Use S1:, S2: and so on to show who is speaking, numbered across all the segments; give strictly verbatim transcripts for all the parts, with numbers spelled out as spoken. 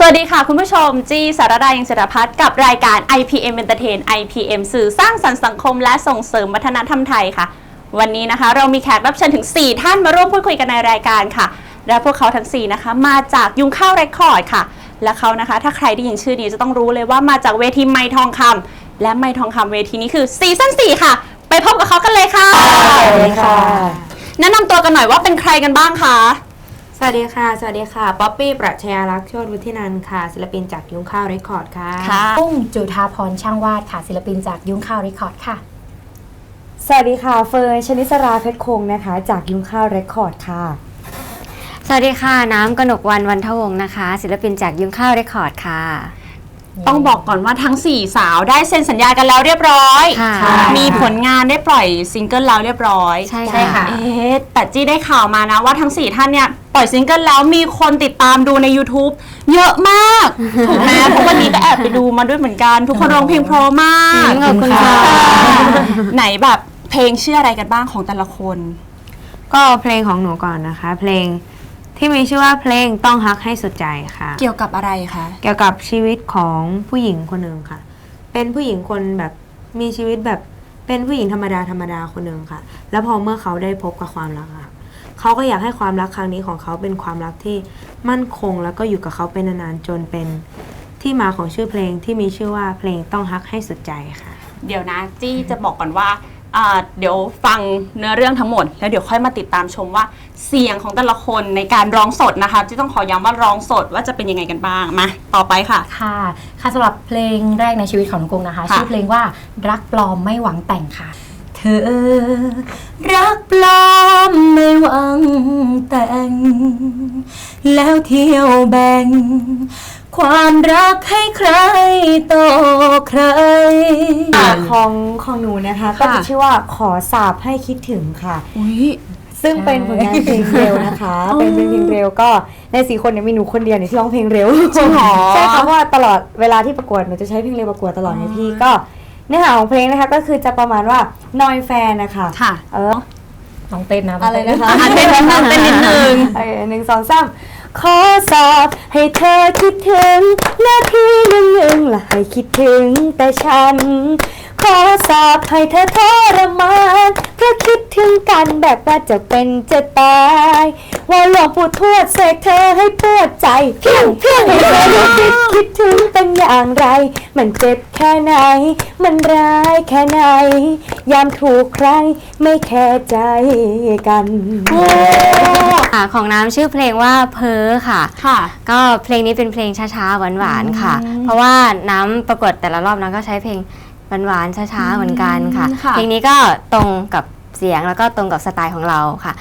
S1: วัสดีค่ะคุณผู้ชมจีสารดายังศิรพัฒน์กับรายการ ไอ พี เอ็ม Entertain ไอ พี เอ็ม สื่อสร้างสรรค์สังคมและส่งเสริมวัฒนธรรมไทยค่ะวันนี้นะคะเรามีแขกรับเชิญถึงสี่ท่านมาร่วมพูดคุยกันในรายการค่ะและพวกเขาทั้งสี่นะคะมาจากยุ้งข้าวเรคคอร์ดค่ะและเขานะคะถ้าใครได้ยินชื่อนี้จะต้องรู้เลยว่ามาจากเวทีไมค์ทองคำและไมค์ทองคำเวทีนี้คือซีซั่นสี่ค่ะไปพบกับเขากันเลยค่ะ
S2: สวัสดีค่ะ
S1: แนะนำตัวกันหน่อยว่าเป็นใครกันบ้างคะ
S2: สวัสดีค่ะสวัสดีค่ะป๊อปปี้ปรัชญาลักษณ์โชติวุฒินันท์ค่ะศิลปินจากยุ้งข้าวเรคคอร์ดค่ะ
S3: ปุ้งจุฑาพรช่างวาดค่ะศิลปินจากยุ้งข้าวเรคคอร์ดค่ะ
S4: สวัสดีค่ะเฟิร์นชนิสราเพชรคงนะคะจากยุ้งข้าวเรคคอร์ดค่ะ
S5: สวัสดีค่ะน้ำกนกวรรณวันทวงศ์นะคะศิลปินจากยุ้งข้าวเรคคอร์ดค่ะ
S1: ต้องบอกก่อนว่าทั้งสี่สาวได้เซ็นสัญญากันแล้วเรียบร้อยมีผลงานได้ปล่อยซิงเกิลแล้วเรียบร้อย
S5: ใช่ค่ะ
S1: เอ๊ะแต่จี้ได้ข่าวมานะว่าทั้งสี่ท่านเนี่ยปล่อยซิงเกิลแล้วมีคนติดตามดูใน YouTube เยอะมากถูกไหมเพราะวันนี้ก็แอบไปดูมาด้วยเหมือนกันทุกคนร้องเพลงเพราะมาก
S5: ขอบคุณค่ะ
S1: ไหนแบบเพลงชื่ออะไรกันบ้างของแต่ละคน
S2: ก็เพลงของหนูก่อนนะคะเพลงที่มีชื่อว่าเพลงต้องฮักให้สุดใจค่ะ
S1: เกี่ยวกับอะไรคะ
S2: เกี่ยวกับชีวิตของผู้หญิงคนหนึ่งค่ะเป็นผู้หญิงคนแบบมีชีวิตแบบเป็นผู้หญิงธรรมดาธรรมดาคนหนึ่งค่ะแล้วพอเมื่อเขาได้พบกับความรักค่ะเขาก็อยากให้ความรักครั้งนี้ของเขาเป็นความรักที่มั่นคงแล้วก็อยู่กับเขาเป็นนานๆจนเป็นที่มาของชื่อเพลงที่มีชื่อว่าเพลงต้องฮักให้สุดใจค่ะ
S1: เดี๋ยวนะจี้จะบอกก่อนว่าเดี๋ยวฟังเนื้อเรื่องทั้งหมดแล้วเดี๋ยวค่อยมาติดตามชมว่าเสียงของแต่ละคนในการร้องสดนะคะที่ต้องขอย้ำว่าร้องสดว่าจะเป็นยังไงกันบ้างมาต่อไปค่ะ
S3: ค่ะค่ะสำหรับเพลงแรกในชีวิตของน้องกุ้งนะคะชื่อเพลงว่ารักปลอมไม่หวังแต่งค่ะเธอรักปลอมไม่หวังแต่งแล้วเที่ยวแบ่งความรักให้ใครต่อใคร
S4: ของของหนูนะคะก็จะชื่อว่าขอสาบให้คิดถึงค่ะซึ่งเป็นผลงานเพลงเร็วนะคะเป็นเพลงเร็วก็ในสี่คนเนี่ยมีหนูคนเดียวเนี่ยที่ร้องเพลงเร็ว
S1: ใช่ค่ะ
S4: ใช่ค่ะเพราะว่าตลอดเวลาที่ประกวดหนูจะใช้เพลงเร็วประกวดตลอดในพี่ก็เนื้อหาของเพลงนะคะก็คือจะประมาณว่านอยแฟนนะคะ
S1: ค่ะ
S4: เออ
S3: น้องเต้นนะ
S4: อะไรนะคะ
S1: เต้นนะคะเต้นนิดนึง
S4: หนึ่งสองสามขอสอบให้เธอคิดถึงหน้าที่หนึ่งหนึ่งและให้คิดถึงแต่ฉันขอสอบให้เธอทรมานเพราะคิดถึงกันแบบว่าจะเป็นจะตายว่าหลวงปู่ทวดเสกเธอให้ปวดใจเพียงเพียงให้เธอได้คิดคิดถึงเป็นอย่างไรมันเจ็บแค่ไหนมันร้ายแค่ไหนยามถูกใครไม่แคร์ใจกัน
S5: ของน้ำชื่อเพลงว่าเพ้อค่ะ
S1: ค่ะ
S5: ก็เพลงนี้เป็นเพลงช้าๆหวานๆค่ะเพราะว่าน้ำประกวดแต่ละรอบน้ำก็ใช้เพลงหวานๆช้าๆเหมือนกันค่ะเพลงนี้ก็ตรงกับเสียงแล้วก็ตรงกับสไตล์ของเราค่ะ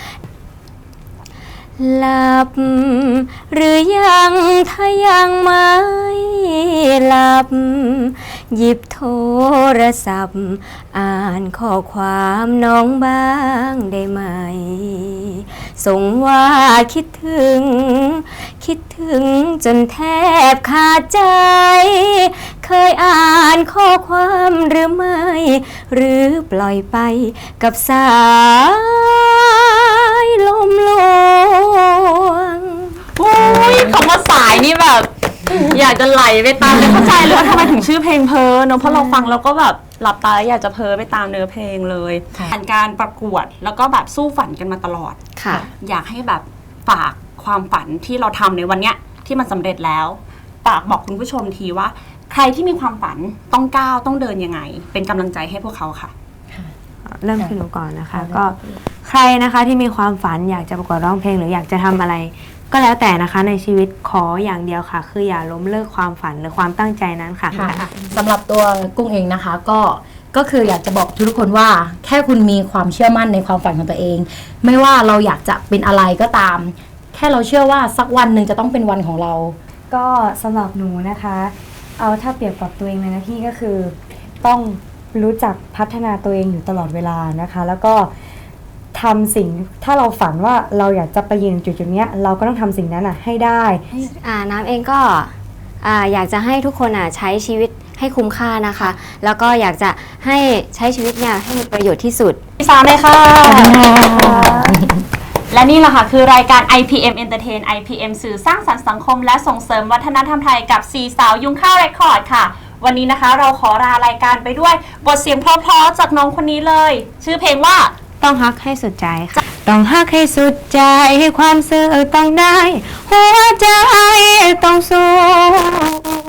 S5: หลับหรือยังถ้ายังไม่หลับหยิบโทรศัพท์อ่านข้อความน้องบ้างได้ไหมส่งว่าคิดถึงคิดถึงจนแทบขาดใจเคยอ่านข้อความหรือไม่หรือปล่อยไปกับสายลมลวง
S1: โอ้ยคำว่าสายนี่แบบอยากจะไหลไปตามเข้าใจเลยว่าทำไมถึงชื่อเพลงเพ้อเนอะเพราะเราฟังแล้วก็แบบหลับตาอยากจะเพ้อไปตามเนื้อเพลงเลยผ่านการประกวดแล้วก็แบบสู้ฝันกันมาตลอด
S5: ค่ะ
S1: อยากให้แบบฝากความฝันที่เราทำในวันเนี้ยที่มันสำเร็จแล้วฝากบอกคุณผู้ชมทีว่าใครที่มีความฝันต้องก้าวต้องเดินยังไงเป็นกำลังใจให้พวกเขาค่ะ
S2: เริ่มที่หนูก่อนนะคะก็ใครนะคะที่มีความฝันอยากจะประกวดร้องเพลงหรืออยากจะทำอะไรก็แล้วแต่นะคะในชีวิตขออย่างเดียวค่ะคืออย่าล้มเลิกความฝันหรือความตั้งใจนั้นค่ะ
S3: สำหรับตัวกุ้งเองนะคะก็ก็คืออยากจะบอกทุกคนว่าแค่คุณมีความเชื่อมั่นในความฝันของตัวเองไม่ว่าเราอยากจะเป็นอะไรก็ตามแค่เราเชื่อว่าสักวันหนึ่งจะต้องเป็นวันของเรา
S4: ก็สำหรับหนูนะคะเอาถ้าเปรียบกับตัวเองเลยนะพี่ก็คือต้องรู้จักพัฒนาตัวเองอยู่ตลอดเวลานะคะแล้วก็ทำสิ่งถ้าเราฝันว่าเราอยากจะไปยืนจุดจุดนี้เราก็ต้องทำสิ่งนั้นอ่ะให้ได้
S5: อ่าน้ำเองก็อ่าอยากจะให้ทุกคนอ่ะใช้ชีวิตให้คุ้มค่านะคะแล้วก็อยากจะให้ใช้ชีวิตเนี่ยให้มีประโยชน์ที่สุด
S1: สามเลยค่ะและนี่แหละค่ะคือรายการ ไอ พี เอ็ม Entertain ไอ พี เอ็ม สื่อสร้างสรรค์สังคมและส่งเสริมวัฒนธรรมไทยกับสี่สาวยุงข้าวเรคคอร์ดค่ะวันนี้นะคะเราขอลารายการไปด้วยบทเสียงเพราะๆจากน้องคนนี้เลย ชื่อเพลงว่า
S2: ต้องฮักให้สุดใจค่ะต้องฮักให้สุดใจให้ความซื่อต้องได้หัวใจต้องสู้